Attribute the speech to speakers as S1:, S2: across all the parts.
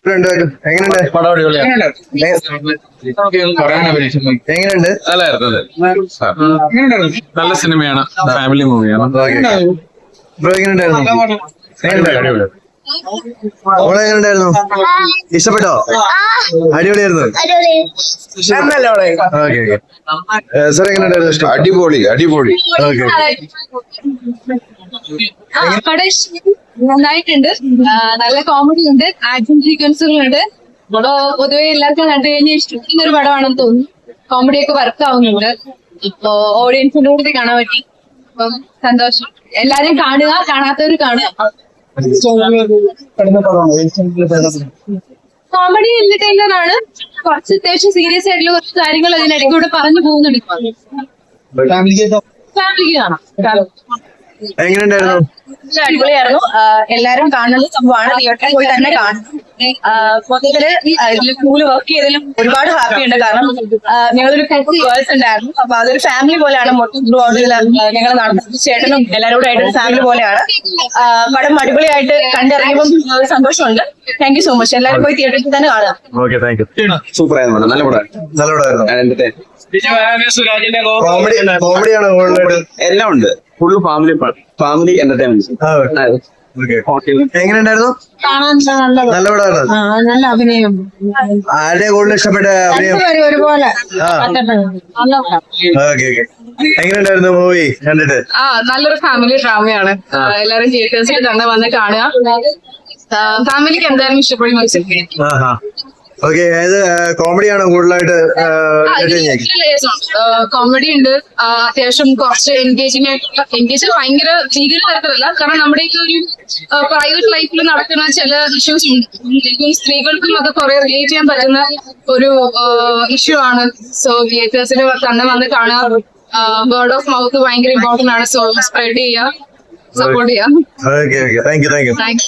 S1: എങ്ങനെയുണ്ട്?
S2: നല്ല സിനിമയാണ്, ഫാമിലി മൂവിയാണ്.
S1: ബ്രോ എങ്ങനെയുണ്ടായിരുന്നു? ഓളെ എങ്ങനെയുണ്ടായിരുന്നു? ഇഷ്ടപ്പെട്ടോ? അടിപൊളിയായിരുന്നു. സാർ എങ്ങനെയുണ്ടായിരുന്നു?
S3: അടിപൊളി അടിപൊളി.
S4: നന്നായിട്ടുണ്ട്. നല്ല കോമഡി ഉണ്ട്, ആക്ഷൻ സീക്വൻസുകളുണ്ട്. പൊതുവെ എല്ലാവർക്കും കണ്ടു കഴിഞ്ഞാൽ ഇഷ്ടപ്പെടുന്ന ഒരു പടമാണെന്ന് തോന്നുന്നു. കോമഡി ഒക്കെ വർക്ക് ആവുന്നുണ്ട്. ഇപ്പൊ ഓഡിയൻസിന്റെ കൂടെ കാണാൻ പറ്റി. അപ്പം സന്തോഷം. എല്ലാരും കാണുക, കാണാത്തവർ കാണുക. കോമഡി എന്റർടൈനർ ആണ്. കുറച്ച് അത്യാവശ്യം സീരിയസ് ആയിട്ടുള്ള കുറച്ച് കാര്യങ്ങൾ അതിനിടയ്ക്കൂടെ പറഞ്ഞു പോകുന്നുണ്ട്. ഫാമിലിക്ക് കാണാം.
S1: എങ്ങനെയുണ്ടായിരുന്നു?
S4: അടിപൊളിയായിരുന്നു. എല്ലാരും കാണുന്ന സംഭവമാണ്. തിയേറ്ററിൽ പോയി തന്നെ കാണും. മൊത്തത്തില് ഇതിൽ കൂടുതൽ വർക്ക് ചെയ്തതിലും ഒരുപാട് ഹാപ്പി ഉണ്ട്. കാരണം ഞങ്ങളൊരു 10 ഗേൾസ് ഉണ്ടായിരുന്നു. അപ്പൊ അതൊരു ഫാമിലി പോലെയാണ്. മൊത്തം ഞങ്ങൾ നടന്ന ചേട്ടനും എല്ലാവരും കൂടെ ആയിട്ട് ഫാമിലി പോലെയാണ്. പടം അടിപൊളിയായിട്ട് കണ്ടിറങ്ങിയപ്പം സന്തോഷമുണ്ട്. Thank you so much. എല്ലാവരും പോയി തിയേറ്ററിൽ തന്നെ കാണാം.
S3: സൂപ്പർ ആയിരുന്നു. നല്ല പടമായിരുന്നു. എല്ലാം ഉണ്ട്. Full family entertainment.
S1: എങ്ങനെയുണ്ടായിരുന്നു? നല്ല പടമായിരുന്നു.
S4: നല്ല അഭിനയം.
S1: ആരുടെ കൂടുതൽ ഇഷ്ടപ്പെട്ട അഭിനയം?
S4: ഒരുപോലെ
S1: എങ്ങനെയുണ്ടായിരുന്നു മൂവി കണ്ടിട്ട്?
S4: നല്ലൊരു ഫാമിലി ഡ്രാമയാണ്. എല്ലാവരും തിയേറ്റേഴ്സിൽ തന്നെ വന്ന് കാണുക. ഫാമിലിക്ക് എന്തായാലും ഇഷ്ടപ്പെടുന്ന
S1: ഓക്കെ. ഏത് കോമഡിയാണോ കൂടുതലായിട്ട്?
S4: കോമഡി ഉണ്ട്. അത്യാവശ്യം കുറച്ച് എൻഗേജ് ഭയങ്കര ഭീകര തരത്തിലല്ല. കാരണം നമ്മുടെയൊക്കെ ഒരു പ്രൈവറ്റ് ലൈഫിൽ നടക്കുന്ന ചില ഇഷ്യൂസ് ഉണ്ട്. സ്ത്രീകൾക്കും അത് കുറെ റിലേറ്റ് ചെയ്യാൻ പറ്റുന്ന ഒരു ഇഷ്യൂ ആണ്. സോ തിയേറ്റേഴ്സിൽ തന്നെ വന്ന് കാണുക. വേർഡ് ഓഫ് മൗത്ത് ഭയങ്കര ഇമ്പോർട്ടന്റ് ആണ്. സോ സ്പ്രെഡ് ചെയ്യുക, സപ്പോർട്ട് ചെയ്യുക.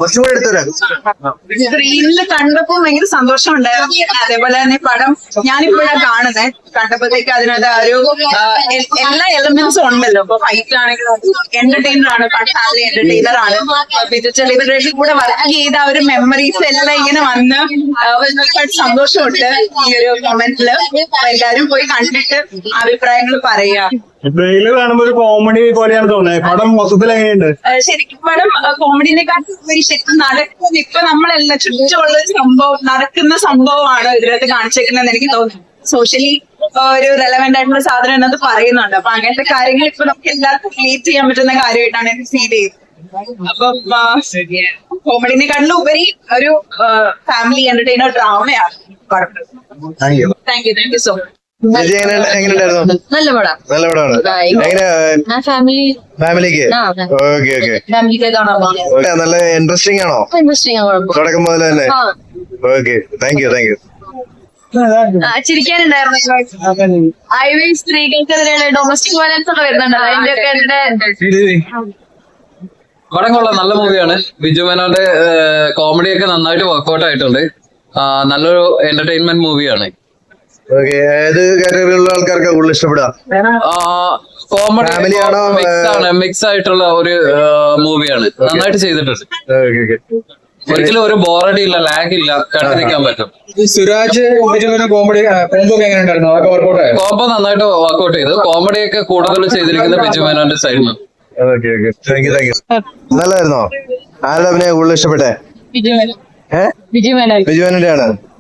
S5: സ്ക്രീനിൽ കണ്ടപ്പോ ഭയങ്കര സന്തോഷം ഉണ്ടായിരുന്നു. അതേപോലെ തന്നെ പടം ഞാനിപ്പോഴാണ് കാണുന്നത്. കണ്ടപ്പോഴത്തേക്ക് അതിനകത്ത് ഒരു എല്ലാ എലമെന്റ്സും ഉണ്ടല്ലോ. ഇപ്പൊ ഫൈറ്റ് ആണെങ്കിലും എന്റർടൈനർ ആണ്, ഫാമിലി എന്റർടൈനർ ആണ്. ഇവരുടെ കൂടെ വർക്ക് ചെയ്ത ഒരു മെമ്മറീസ് എല്ലാം ഇങ്ങനെ വന്ന് ഒരുപാട് സന്തോഷമുണ്ട് ഈ ഒരു മൊമെന്റില്. എല്ലാരും പോയി കണ്ടിട്ട് അഭിപ്രായങ്ങൾ പറയാ.
S6: ട്രെയിലർ കാണുമ്പോ ഒരു കോമഡി പോലെയാണ് തോന്നുന്നത്. പടം മൊത്തത്തിൽ എങ്ങനെയുണ്ട്?
S5: ശരിക്കും പടം കോമഡിനെക്കാട്ടും ശരിക്കും നടക്കുന്ന ഇപ്പൊ നമ്മളെല്ലാം ചുറ്റുമുള്ള നടക്കുന്ന സംഭവമാണ് ഇതിനകത്ത് കാണിച്ചേക്കുന്നതെന്ന് എനിക്ക് തോന്നുന്നു. സോഷ്യലി ഒരു റെലവെന്റ് ആയിട്ടുള്ള സാധനം എന്നത് പറയുന്നുണ്ട്. അപ്പൊ അങ്ങനത്തെ കാര്യങ്ങൾ ഇപ്പൊ നമുക്ക് എല്ലാവർക്കും റിലേറ്റ് ചെയ്യാൻ പറ്റുന്ന കാര്യമായിട്ടാണ് എനിക്ക് ഫീൽ ചെയ്യുന്നത്. അപ്പൊ കോമഡിനെക്കാട്ടിലും ഉപരി ഒരു ഫാമിലി എന്റർടൈനർ ഡ്രാമയാണ് പടം. Thank you so much.
S1: എങ്ങനെയുണ്ടായിരുന്നു?
S4: നല്ല പടം.
S1: നല്ല പടമാണ്. എങ്ങനെ ഫാമിലിക്ക്? നല്ല ഇൻട്രസ്റ്റിംഗ് ആണോ? തുടക്കം മുതൽ തന്നെ? ഓക്കെ. Thank you.
S4: ചിരിക്കാനുണ്ടായിരുന്നു. സ്ത്രീകൾക്കെതിരെയുള്ള ഡൊമസ്റ്റിക് വയലൻസ് ഒക്കെ വരുന്നുണ്ട്.
S2: പടം കൊള്ളാം, നല്ല മൂവിയാണ്. ബിജു മേനോന്റെ കോമഡിയൊക്കെ നന്നായിട്ട് വർക്ക്ഔട്ട് ആയിട്ടുണ്ട്. നല്ലൊരു എന്റർടൈൻമെന്റ് മൂവിയാണ്.
S1: ഏത് കാറ്റഗറിയിലുള്ള ആൾക്കാർക്ക് കൂടുതൽ ഇഷ്ടപ്പെടുക?
S2: കോമഡി മിക്സ് ആയിട്ടുള്ള ഒരു മൂവിയാണ്. നന്നായിട്ട് ചെയ്തിട്ടുണ്ട്. ഒരിക്കലും ഒരു ബോറടി ഇല്ല, ലാഗ് ഇല്ല, കണ്ടിരിക്കാൻ പറ്റും.
S6: സുരാജ് കോമഡി കോംബോ
S2: നന്നായിട്ട് വർക്ക്ഔട്ട് ചെയ്തു. കോമഡിയൊക്കെ കൂടുതൽ ചെയ്തിരിക്കുന്ന ബിജു മേനോന്റെ സൈഡിൽ നിന്ന്.
S1: നല്ലതായിരുന്നോ? ആരുടെ അഭിനയം കൂടുതൽ ഇഷ്ടപ്പെട്ടെ?
S4: ബിജു മേനോന്റെ
S1: ആണ്.